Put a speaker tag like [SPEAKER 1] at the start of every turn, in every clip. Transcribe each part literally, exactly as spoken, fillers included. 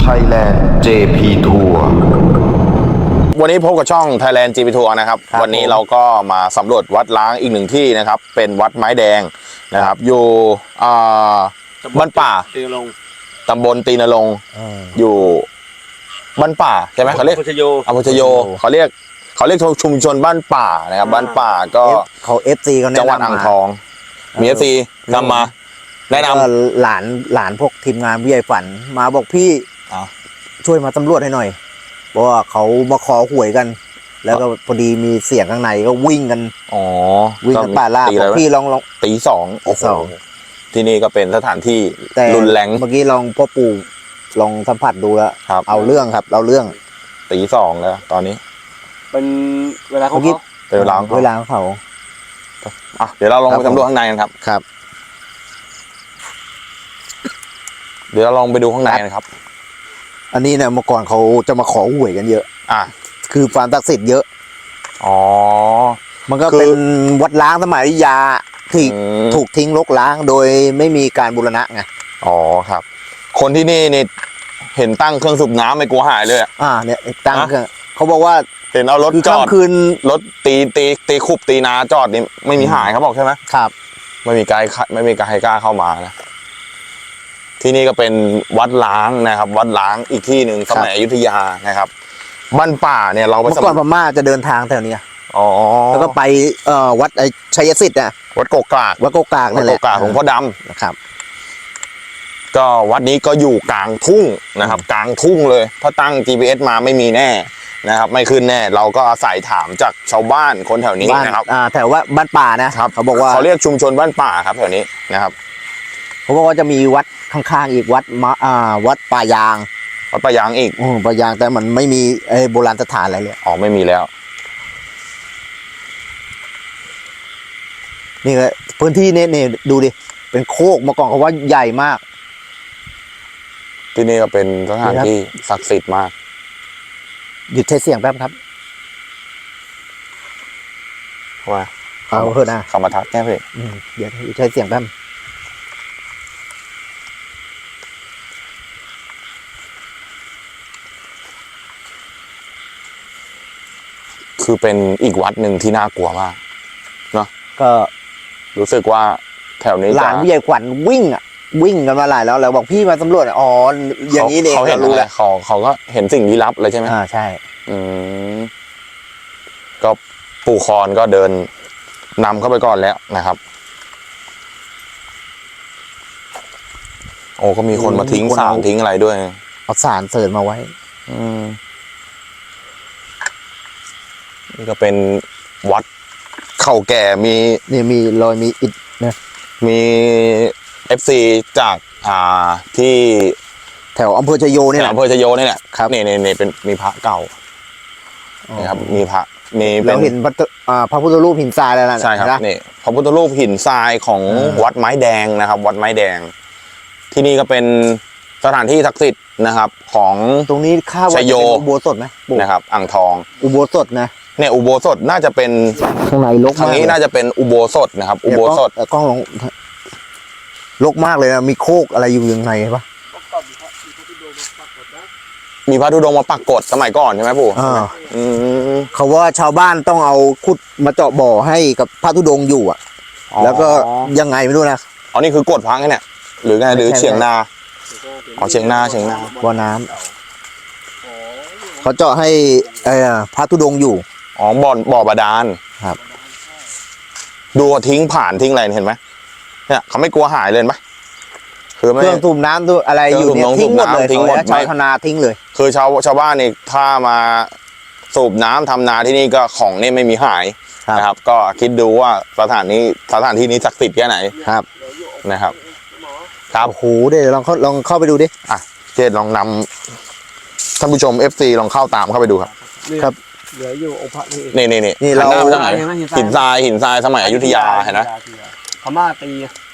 [SPEAKER 1] Thailand เจ พี Tour
[SPEAKER 2] วันนี้พบกับช่อง Thailand เจ พี Tour นะครับวันนี้เราก็มาสำรวจวัดล้างอีกหนึ่งที่นะครับเป็นวัดไม้แดงนะครับอยู่บ้านป่า
[SPEAKER 3] ตีนรง
[SPEAKER 2] ตำบลตีนรงอยู่บ้านป่าใช่ไหมเขาเรียกอำเภอชโยอำเภอชโยเขาเรียกเขาเรียกชุมชนบ้านป่านะครับบ้านป่าก็
[SPEAKER 4] เขา เอฟ ซี เขา
[SPEAKER 2] จังหวัดอ่างทองมี เอฟ ซี นำมาแนะน
[SPEAKER 4] ำหลานหลานพวกทีมงานผู้ใหญ่ฝันมาบอกพี่ช่วยมาตำรวจให้หน่อยเพราะว่าเขามาขอหวยกัน แล้วก็พอดีมีเสียงข้างในก็วิ่งกันอ๋อวิ่งกันป่าล่าบอกพี่ลองลอง
[SPEAKER 2] ตีสองตีสองที่นี่ก็เป็นสถานที่รุนแรง
[SPEAKER 4] เมื่อกี้ลองพ่อปู่ลองสัมผัสดูแล้วเอาเรื่องครับเอาเรื่อง
[SPEAKER 2] ตีสองแล้วตอนนี้
[SPEAKER 3] เป็นเวลาเขา
[SPEAKER 2] เป็นเวลา
[SPEAKER 4] เวลาของเขา
[SPEAKER 2] อ่ะเดี๋ยวเราลองไปสำรวจข้างในกันครับ
[SPEAKER 4] ครับ
[SPEAKER 2] เดี๋ยวเราลองไปดูข้างในกันครับ
[SPEAKER 4] อันนี้เนี่ยเมื่อก่อนเขาจะมาขอหวยกันเยอะ
[SPEAKER 2] อ่ะ
[SPEAKER 4] คือความศักดิ์สิทธิ์เยอะ
[SPEAKER 2] อ๋อ
[SPEAKER 4] มันก็เป็นวัดล้างสมัยอยุธยาที่ถูกทิ้งรกล้างโดยไม่มีการบูรณะไง
[SPEAKER 2] อ๋อครับคนที่นี่นี่เห็นตั้งเครื่องสูบน้ำไม่กลัวหายเลย
[SPEAKER 4] อ่าเนี่ยตั้งเครื่องเขาบอกว่า
[SPEAKER 2] เห็นเอารถจอดคืนรถตีตีตีคุบตีนาจอดนี่ไม่มีหายเขาบอกใช่ไหม
[SPEAKER 4] ครับ
[SPEAKER 2] ไม่มีใครไม่มีใครกล้าเข้ามานะที่นี่ก็เป็นวัดล้างนะครับวัดล้างอีกที่หนึ่งสมัยอยุธยานะครับบ้านป่าเนี่ยเราไป
[SPEAKER 4] เมื่อก่อนพม่าจะเดินทางแถวนี้
[SPEAKER 2] อ๋อ
[SPEAKER 4] แล้วก็ไปเอ่อวัดไอชัยสิทธิ์อ่ะ
[SPEAKER 2] วัดโกกาก
[SPEAKER 4] วัดโกกาก
[SPEAKER 2] นั่นแหละวัดโกกากของพ่อดำ
[SPEAKER 4] นะครับ
[SPEAKER 2] ก็วัดนี้ก็อยู่กลางทุ่งนะครับกลางทุ่งเลยถ้าตั้ง จี พี เอส มาไม่มีแน่นะครับไม่ขึ้นแน่เราก็อาศัยถามจากชาวบ้านคนแถวนี้นะครับ
[SPEAKER 4] อ่าแถวว่าบ้านป่านะครับเขาบอกว่า
[SPEAKER 2] เขาเรียกชุมชนบ้านป่าครับแถวนี้นะครับ
[SPEAKER 4] เขาบอกว่าจะมีวัดข้างๆอีกวัดมาอ่าวัดป่ายาง
[SPEAKER 2] วัดป่ายางอีก
[SPEAKER 4] อือป่ายางแต่มันไม่มีไอ้โบราณสถานอะไรเลย
[SPEAKER 2] อ๋อไม่มีแล้ว
[SPEAKER 4] นี่ก็พื้นที่นี้นี่ดูดิเป็นโคกเมื่อก่อนเขาว่าใหญ่มาก
[SPEAKER 2] ที่นี่ก็เป็นสถานที่ศักดิ์สิทธิ์มาก
[SPEAKER 4] หยุดใช้เสียงแป๊บครับ
[SPEAKER 2] ว่า
[SPEAKER 4] เอาเถอะนะ
[SPEAKER 2] เขามาทักแก้เพื่อ
[SPEAKER 4] เดี๋ยวหยุดใช้เสียงแป๊บ
[SPEAKER 2] คือเป็นอีกวัดหนึ่งที่น่ากลัวมากเนาะ
[SPEAKER 4] ก็
[SPEAKER 2] รู้สึกว่าแถวนี้
[SPEAKER 4] หลานผู้ใหญ่ขวัญวิ่งอ่ะวิ่งกันมาหลายแล้วแล้วบอกพี่มาสำรวจอ๋ออย่างนี้เอง
[SPEAKER 2] เขาเห็นอะไรเขาเขาก็เห็นสิ่งลี้ลับเลยใช่ไหม
[SPEAKER 4] อ่าใช่
[SPEAKER 2] อืมก็ปู่คอนก็เดินนำเข้าไปก่อนแล้วนะครับโอ้ก็มีคนมาทิ้งสารทิ้งอะไรด้วย
[SPEAKER 4] เอาสารเสริญมาไว้
[SPEAKER 2] อืมนี่ก็เป็นวัดเก่าแก่มี
[SPEAKER 4] นี่มีรอยมีอิฐนะ
[SPEAKER 2] มี เอฟ ซี จากอ่าที่
[SPEAKER 4] แถวอำเภอชโยนี่แหละ
[SPEAKER 2] อำเภอชโยนี่แหละครับนี่นี่นี่เป็นมีพระเก่านะครับมีพระมี
[SPEAKER 4] เราเห็นพระอ่าพระพุทธรูปหินทรายแล้วนะ
[SPEAKER 2] ใช่ครับนี่พระพุทธรูปหินทรายของวัดไม้แดงนะครับวัดไม้แดงที่นี่ก็เป็นสถานที่ศักดิ์สิทธิ์นะครับของ
[SPEAKER 4] ตรงนี้ข้าว
[SPEAKER 2] ชโย
[SPEAKER 4] อุโบสถไหม
[SPEAKER 2] นะครับอ่างทอง
[SPEAKER 4] อุโบสถนะ
[SPEAKER 2] เนี่ยอุโบสถน่าจะเป็น
[SPEAKER 4] ข้างในรก
[SPEAKER 2] ทางนี้น่าจะเป็นอุโบสถนะครับอุโบสถ
[SPEAKER 4] กล้องลงรกมากเลยนะมีโคกอะไรอยู่ยังไงปะ
[SPEAKER 2] มีพระธุดงค์มาปักกดสมัยก่อนใช่ไหมปู่
[SPEAKER 4] เขาว่าชาวบ้านต้องเอาขุดมาเจาะบ่อให้กับพระธุดงค์อยู่อ่ะแล้วก็ยังไงไม่รู้นะ
[SPEAKER 2] อ๋อนี่คือกดพังเนี่ยหรือไงหรือเฉียงนาอ๋อเฉียงนาเฉียงนา
[SPEAKER 4] บ่อน้ำเขาเจาะให้ไอ้พระธุดงค์อยู่
[SPEAKER 2] อ๋อบ่อบ่อบาดาล
[SPEAKER 4] ครับ
[SPEAKER 2] ดูทิ้งผ่านทิ้งอะไรเห็นไหมเนี่ยเขาไม่กลัวหายเลยไหม
[SPEAKER 4] คือเครื่องสูบน้ำด้วยอะไรอยู่เนี่ยทิ้งหมดเลยทิ้งหมดชาวนาทิ้งเลย
[SPEAKER 2] คือชาวชาวบ้านนี่ถ้ามาสูบน้ำทำนาที่นี่ก็ของนี่ไม่มีหายนะครับก็คิดดูว่าสถานนี้สถานที่นี้ศักดิ์สิทธิ์แค่ไหน
[SPEAKER 4] ครับ
[SPEAKER 2] นะครับครับ
[SPEAKER 4] โหเดี๋ยวลองเข้าลองเข้าไปดูดิ
[SPEAKER 2] อ่ะเจดลองนำท่านผู้ชม เอฟ ซี ลองเข้าตามเข้าไปดูครับ
[SPEAKER 4] ครับ
[SPEAKER 3] เหลืออยู่องค์พระ
[SPEAKER 2] นี่นี่นี่
[SPEAKER 4] นี่เรา
[SPEAKER 2] หินทรายหินทรายสมัยอยุธยาเห็นไหม
[SPEAKER 3] พม่าตี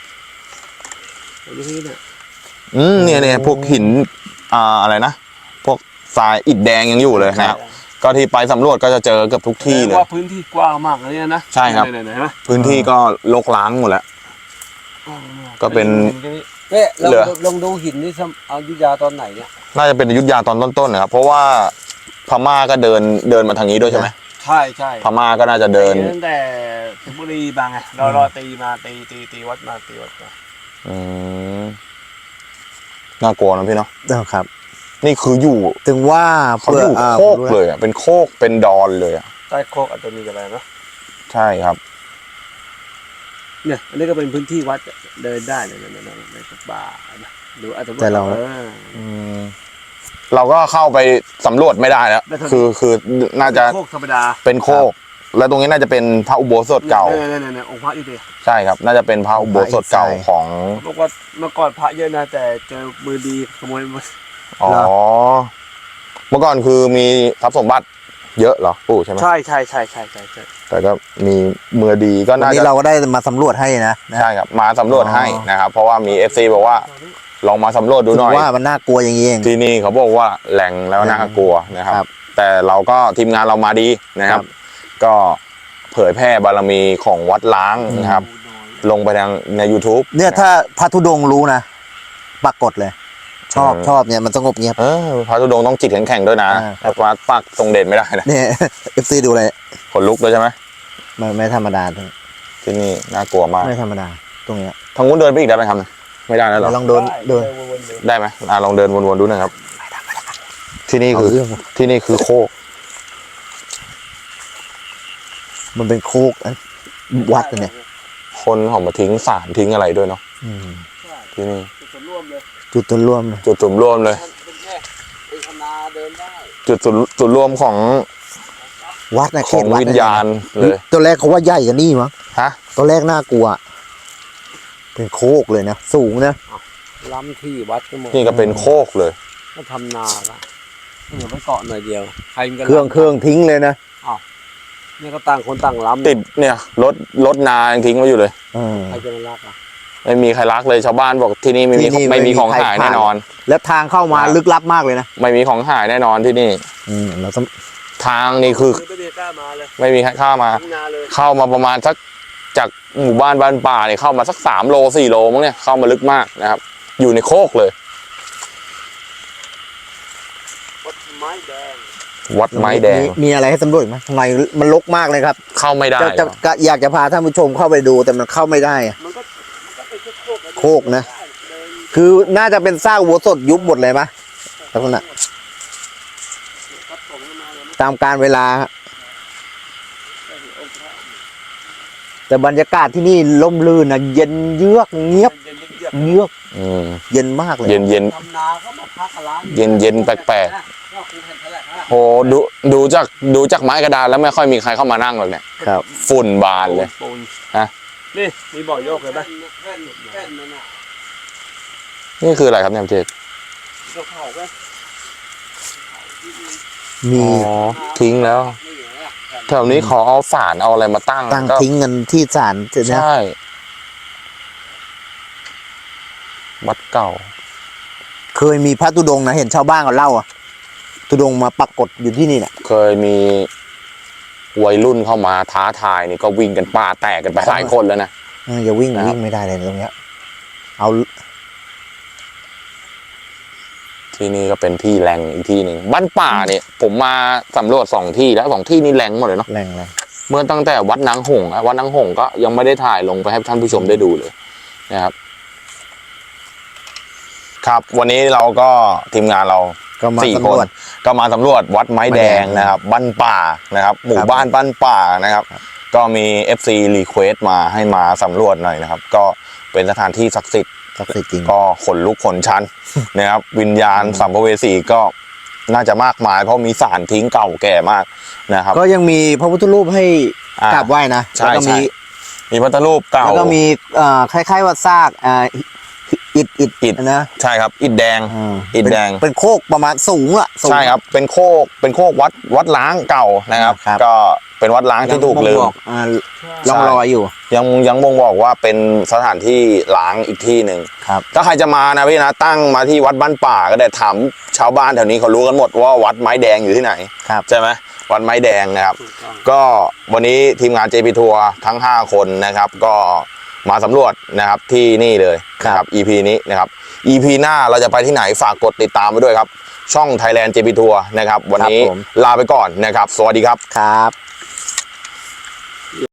[SPEAKER 3] อยู่ที่เนี่ย
[SPEAKER 2] อืมเนี่ยเนี่ยพวกหินอ่าอะไรนะพวกทรายอิฐแดงยังอยู่เลยนะครับก็ที่ไปสำรวจก็จะเจอเกือบทุกที่เลย
[SPEAKER 3] ว่าพื้นที่กว้างมากเลยนะ
[SPEAKER 2] ใช่ครับพื้นที่ก็รกร้างหมดแล้วก็เป็น
[SPEAKER 3] เนี่ยลองลองดูหินนี่อยุธยาตอนไหนเนี่ย
[SPEAKER 2] น่าจะเป็นอยุธยาตอนต้นๆนะครับเพราะว่าพม่าก็เดินเดินมาทางนี้ด้วยใช่ไหม
[SPEAKER 3] ใช่ใช่
[SPEAKER 2] พม่าก็น่าจะเดิน
[SPEAKER 3] ตีตั้งแต่เพชรบุรีบางไงรอรอตีมาตีตีตีวัดมาตีวัดมา
[SPEAKER 2] อืมน่ากลัวนะพี่เนาะ
[SPEAKER 4] ครับ
[SPEAKER 2] นี่คืออยู่
[SPEAKER 4] ถึงว่า
[SPEAKER 2] เขาอยู่
[SPEAKER 4] อ่
[SPEAKER 2] โคกเลยอ่ะเป็นโคกเป็นดอนเลยอ่ะ
[SPEAKER 3] ใต้โคกอาจจะมีอะไรเนาะ
[SPEAKER 2] ใช่ครับ
[SPEAKER 3] เนี่ยอันนี้ก็เป็นพื้นที่วัดเดินได้เลยนะนะในป่านะดูอาจจะ
[SPEAKER 4] แต่เรา
[SPEAKER 3] ออ
[SPEAKER 2] อืมเราก็เข้าไปสำรวจไม่ได้แล้ว
[SPEAKER 3] ไม่เท่านี้
[SPEAKER 2] คือคือน่าจะ
[SPEAKER 3] โคกธรรมดา
[SPEAKER 2] เป็นโคก แล้วตรงนี้น่าจะเป็นพระอุโบสถเก่า
[SPEAKER 3] เนี่ยเนี่ยเนี่ยเนี่ยองค์พระอยู่ดิ
[SPEAKER 2] ใช่ครับ น่าจะเป็นพระอุโบสถเก่าของ
[SPEAKER 3] บอกว่าเมื่อก่อนพระเยอะนะแต่เจอมือดีขโมยหมด
[SPEAKER 2] อ๋อเมื่อก่อนคือมีทรัพย์สมบัติเยอะเหรอปู่ใช่ไหม
[SPEAKER 3] ใช่ใช่ใช่ใช่ใช่ใช่
[SPEAKER 2] แต่ก็มีมือดีก็
[SPEAKER 4] วัน
[SPEAKER 2] น่า
[SPEAKER 4] นี้
[SPEAKER 2] จะ
[SPEAKER 4] เราก็ได้มาสำรวจให้นะนะ
[SPEAKER 2] ใช่ครับมาสำรวจ
[SPEAKER 4] อ๋อ
[SPEAKER 2] ให้นะครับ เพราะว่ามี เอฟ ซี บอกว่าลองมาสำรวจดูหน่อย
[SPEAKER 4] ว่ามันน่ากลัวอย่างนี้เอง
[SPEAKER 2] ที่นี่เขาบอกว่าแหล่งแล้วน่ากลัวนะครับ
[SPEAKER 4] ครับ
[SPEAKER 2] แต่เราก็ทีมงานเรามาดีนะครับ
[SPEAKER 4] ครับ
[SPEAKER 2] ก็เผยแพร่บารมีของวัดล้างนะครับ ลงไปทางใน YouTube
[SPEAKER 4] เนี่ยถ้าพระธุดงค์รู้นะปรากฏเลย ชอบ
[SPEAKER 2] อืม
[SPEAKER 4] ชอบเนี่ยมันสงบเงียบ
[SPEAKER 2] เออพระธุดงค์ต้องจิตแข็งๆด้วยนะ
[SPEAKER 4] อ่าครับ
[SPEAKER 2] วัดปักทรงเด่นไม่ได้นะ
[SPEAKER 4] เนี่ย เอฟซีดูเลย
[SPEAKER 2] ขนลุกเลยใช่ไหม
[SPEAKER 4] มันไม่ธรรมดาตรง
[SPEAKER 2] ที่นี่น่ากลัวมาก
[SPEAKER 4] ไม่ธรรมดาตรงเนี้ย
[SPEAKER 2] ทางนู้นเดินไปอีกได้ไหมครับไม่ได้แล้วเหรอ
[SPEAKER 4] ลองเดินเดิน
[SPEAKER 3] วนๆเลย
[SPEAKER 2] ได้ไหมอ่าลองเดินวนๆดูหนะครับ ที่นี่
[SPEAKER 4] เอา
[SPEAKER 2] คือ
[SPEAKER 4] เรื่อง
[SPEAKER 2] ที่นี่คือโคก
[SPEAKER 4] มันเป็นโคกอันวัดอันเนี่ย
[SPEAKER 2] คนเขามาทิ้งสารทิ้งอะไรด้วยเนาะ
[SPEAKER 4] อืม
[SPEAKER 2] ที่นี่
[SPEAKER 3] จุดส่วนร่วมเลย
[SPEAKER 4] จุดต้นร่วมเลย
[SPEAKER 2] จุดจุ่มร่วมเลย
[SPEAKER 3] เป็นแค่เป็นคณาเดินได้
[SPEAKER 2] จุดจุดจุดร่วมของ
[SPEAKER 4] วัดนะ
[SPEAKER 2] ข
[SPEAKER 4] เข
[SPEAKER 2] อง
[SPEAKER 4] ตวัด
[SPEAKER 2] วิญญาณเลย
[SPEAKER 4] ตัวแรกเขาว่าใหญ่กันนี่มั้ง
[SPEAKER 2] ฮะ
[SPEAKER 4] ตัวแรกน่ากลัว เป็นโคกเลยนะสูงนะ
[SPEAKER 3] ล้ำที่วัดก็หมด
[SPEAKER 2] นี่ก็เป็นโคกเลย
[SPEAKER 3] ก็ทำนาละเหลือไปเกาะหน่อยเดียวใครมันก็
[SPEAKER 4] เครื่องเครื่องทิ้งเลยนะ
[SPEAKER 3] เนี่ยก็ต่างคนต่างล้ำ
[SPEAKER 2] ติดเนี่ยรถรถนายังทิ้งไว้อยู่เลย
[SPEAKER 4] เออ
[SPEAKER 3] ใครจะมารักอ่ะ
[SPEAKER 2] ไม่มีใครรักเลยชาวบ้านบอกที่นี่ไม่มี
[SPEAKER 4] ที่นี่
[SPEAKER 2] ไม่มีของ
[SPEAKER 4] ไม่มีใคร
[SPEAKER 2] หาย
[SPEAKER 4] ผ่าน
[SPEAKER 2] แน่นอน
[SPEAKER 4] แล้วทางเข้ามา
[SPEAKER 2] ครับ
[SPEAKER 4] ลึกลับมากเลยนะ
[SPEAKER 2] ไม่มีของหายแน่นอนที่นี่
[SPEAKER 4] อืมเราต้อง
[SPEAKER 2] ทางนี่คือ
[SPEAKER 3] ไม่ได้กล้ามาเลย
[SPEAKER 2] ไม่มีใครเข้ามา
[SPEAKER 3] ทั้งนาเลย
[SPEAKER 2] เข้ามาประมาณสักจากหมู่บ้านบ้านป่าเนี่ยเข้ามาสักสามโลสี่โลมั้งเนี่ยเข้ามาลึกมากนะครับ อยู่ในโคกเลย
[SPEAKER 3] วัดไม้แดง
[SPEAKER 2] วัดไม้แดง
[SPEAKER 4] มีมีอะไรให้สำรวจไหมข้างในมันรกมากเลยครับ
[SPEAKER 2] เข้าไม่ได้
[SPEAKER 4] จะจะจะอยากจะพาท่านผู้ชมเข้าไปดูแต่มันเข้าไม่ได้อะ
[SPEAKER 3] มันก็มันก็เป็นแค่โคกอ
[SPEAKER 4] โคกนะ คือน่าจะเป็นซากวัวสดยุบหมดเลยปะลักษณะตามการเวลาฮะแต่บรรยากาศที่นี่ล่มลื่นนะเย็นเยือกเงียบ
[SPEAKER 3] เย็นเยือก
[SPEAKER 4] เยือก
[SPEAKER 2] อืม
[SPEAKER 4] เย็นมากเลย
[SPEAKER 2] เย็นเย็น
[SPEAKER 3] ทำนาก็มาพักร้าน
[SPEAKER 2] เย็นเย็นแปลก
[SPEAKER 3] ก็คงเห็นเท่าไหร่ฮะ
[SPEAKER 2] โหดูดูจากดูจากไม้กระดานแล้วไม่ค่อยมีใครเข้ามานั่งหรอกเนี่ย
[SPEAKER 4] ครับ
[SPEAKER 2] ฝุ่นบานเลย
[SPEAKER 3] ปูน
[SPEAKER 2] ฮะ
[SPEAKER 3] นี่มีบ่อโยกเลยไหมแค่นแค่นนั่นน่ะ
[SPEAKER 2] นี่คืออะไรครับเนี่ยเจษ
[SPEAKER 3] เราเผาไหม
[SPEAKER 4] มี
[SPEAKER 2] อ๋อทิ้งแล้ว
[SPEAKER 3] นี่ไงอ่ะ
[SPEAKER 2] แถวนี้เขาเอาสารเอาอะไรมาตั้ง
[SPEAKER 4] ตั้ง
[SPEAKER 2] ก็
[SPEAKER 4] ทิ้งกันที่ศาลเสร็จนะ
[SPEAKER 2] ใช่วัดเก่า
[SPEAKER 4] เคยมีพระธุดงค์นะเห็นชาวบ้านเขาเล่าอะธุดงค์มาปรากฏอยู่ที่นี่เนี่ย
[SPEAKER 2] เคยมีวัยรุ่นเข้ามาท้าทายนี่ก็วิ่งกันป่าแตกกันไปหลายคนแล้วนะ
[SPEAKER 4] เอออย่าวิ่ง
[SPEAKER 2] ครับ
[SPEAKER 4] วิ่งไม่ได้เลยตรงเนี้ย เอา
[SPEAKER 2] ที่นี่ก็เป็นที่แหล่งอีกที่หนึ่งบ้านป่าเนี่ยผมมาสำรวจสองที่แล้วสองที่นี่แหล่งหมดเลยเนาะ
[SPEAKER 4] แรงแรง
[SPEAKER 2] เมื่อตั้งแต่วัดนางหงส์อะวัดนางหงส์ก็ยังไม่ได้ถ่ายลงไปให้ท่านผู้ชมได้ดูเลยนะครับ ครับ วันนี้เราก็ทีมงานเรา
[SPEAKER 4] ก็มา
[SPEAKER 2] สี่
[SPEAKER 4] สำ
[SPEAKER 2] ค
[SPEAKER 4] ร
[SPEAKER 2] น
[SPEAKER 4] วจ
[SPEAKER 2] ก็มาสำรวจวัดไม้แดง
[SPEAKER 4] ไม้แดง
[SPEAKER 2] นะครับบ้านป่านะครับ หมู่
[SPEAKER 4] ครับ
[SPEAKER 2] บ้านบ้านป่านะครับ ก็มี เอฟ ซี request มาให้มาสำรวจหน่อยนะครับ ก็เป็นสถานที่ศักดิ์สิทธิ์
[SPEAKER 4] ศักดิ์สิทธิ์จริง
[SPEAKER 2] ก็ขนลุกขนชัน นะครับ วิญญาณสัมภเวสีก็น่าจะมากมาย เพราะมีสารทิ้งเก่าแก่มากนะครับ
[SPEAKER 4] ก็ยังมีพระพุทธรูปให้
[SPEAKER 2] อ่าก
[SPEAKER 4] ราบไหว้นะ
[SPEAKER 2] ใช่
[SPEAKER 4] แล้วก็มี
[SPEAKER 2] ใช่ มีพระพุทธรูปเก่า
[SPEAKER 4] แล้วก็มีเอ่อคล้ายๆว่าซากอ่าอิฐอิฐ
[SPEAKER 2] อิฐ
[SPEAKER 4] นะ
[SPEAKER 2] ใช่ครับ อิฐแดง
[SPEAKER 4] อ่า
[SPEAKER 2] อิฐแดง
[SPEAKER 4] เป็นเป็นโคกประมาณสูงอะสูง
[SPEAKER 2] ใช่ครับ เป็นโคกเป็นโคกวัดวัดล้างเก่านะครับ
[SPEAKER 4] ครับ
[SPEAKER 2] ก็เป็นวัดล้างที่ถูกลืม
[SPEAKER 4] ยังบ่งบอกอ่าร่องรอยอยู่
[SPEAKER 2] ยังยังบ่งบอกว่าเป็นสถานที่ล้างอีกที่หนึ่ง
[SPEAKER 4] ครับ
[SPEAKER 2] ถ้าใครจะมานะพี่นะตั้งมาที่วัดบ้านป่าก็ได้ถามชาวบ้านแถวนี้เขารู้กันหมดว่าวัดไม้แดงอยู่ที่ไหน
[SPEAKER 4] ครับ
[SPEAKER 2] ใช่ไหมวัดไม้แดงนะครับ
[SPEAKER 3] ถูกต้อง
[SPEAKER 2] ก็วันนี้ทีมงาน เจ พี ทัวร์ทั้งห้าคนนะครับ ก็มาสำรวจนะครับที่นี่เลยนะครับ อี พี นี้นะครับ อี พี หน้าเราจะไปที่ไหนฝากกดติดตามไปด้วยครับช่อง Thailand เจ พี Tour นะครับวันนี้ลาไปก่อนนะครับสวัสดีครับ
[SPEAKER 4] ครับ